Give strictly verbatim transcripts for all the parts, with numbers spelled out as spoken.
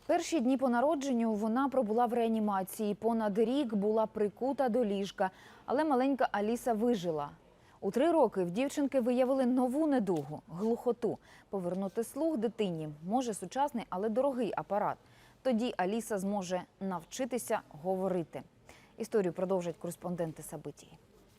Перші дні по народженню вона пробула в реанімації. Понад рік була прикута до ліжка, але маленька Аліса вижила. У три роки в дівчинки виявили нову недугу – глухоту. Повернути слух дитині може сучасний, але дорогий апарат. Тоді Аліса зможе навчитися говорити. Історію продовжать кореспонденти Сабитії.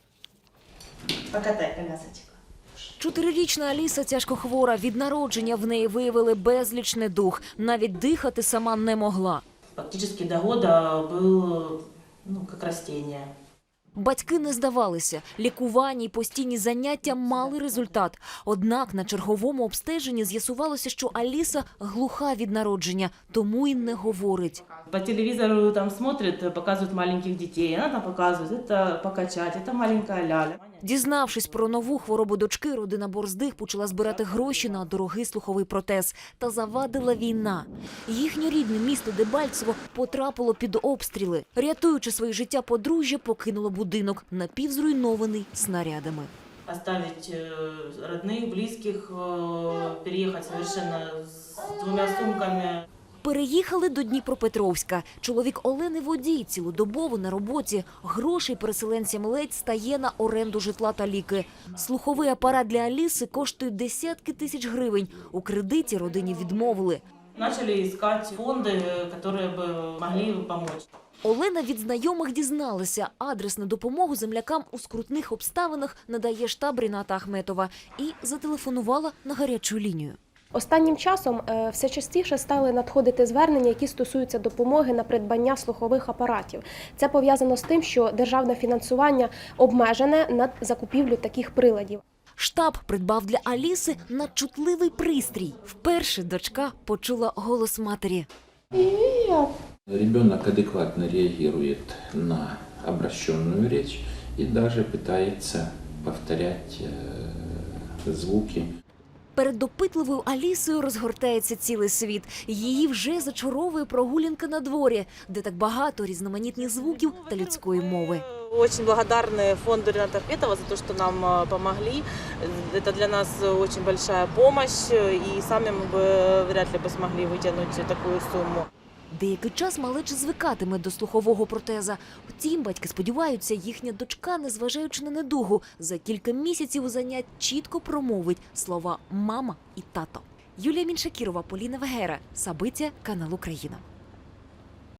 Покатай колясочку. Чотирирічна Аліса тяжкохвора. Від народження в неї виявили безліч недуг. Навіть дихати сама не могла. Фактически до года был, ну, как растение. Батьки не здавалися. Лікування і постійні заняття мали результат. Однак на черговому обстеженні з'ясувалося, що Аліса глуха від народження, тому і не говорить. По телевизору там смотрят, показывают маленьких детей. Она там показывает, это покачать, это маленькая ляля. Дізнавшись про нову хворобу дочки, родина Борздих почала збирати гроші на дорогий слуховий протез. Та завадила війна. Їхнє рідне місто Дебальцево потрапило під обстріли. Рятуючи своє життя, подружжя покинуло будинок, напівзруйнований снарядами. Оставить родных, близких, переехать совершенно с двумя сумками. Переїхали до Дніпропетровська. Чоловік Олени водій, цілодобово на роботі. Грошей переселенцям ледь стає на оренду житла та ліки. Слуховий апарат для Аліси коштує десятки тисяч гривень. У кредиті родині відмовили. Начали искать фонды, которые бы могли помочь. Олена від знайомих дізналася. Адресну допомогу землякам у скрутних обставинах надає штаб Ріната Ахметова. І зателефонувала на гарячу лінію. Останнім часом все частіше стали надходити звернення, які стосуються допомоги на придбання слухових апаратів. Це пов'язано з тим, що державне фінансування обмежене на закупівлю таких приладів. Штаб придбав для Аліси надчутливий пристрій. Вперше дочка почула голос матері. Ребенок адекватно реагирует на обращенную речь и даже пытается повторять звуки. Перед допитливою Алісою розгортається цілий світ. Її вже зачаровує прогулянка на дворі, де так багато різноманітних звуків та людської мови. Очень благодарны фонду Рината Ахметова за то, что нам помогли. Это для нас очень большая помощь, и сами мы бы вряд ли бы смогли вытянуть такую сумму. Деякий час малеча звикатиме до слухового протеза. Втім, батьки сподіваються, їхня дочка, незважаючи на недугу, за кілька місяців занять чітко промовить слова «мама» і «тато». Юлія Міншакірова, Поліна Вегера, Сабиття, канал Україна.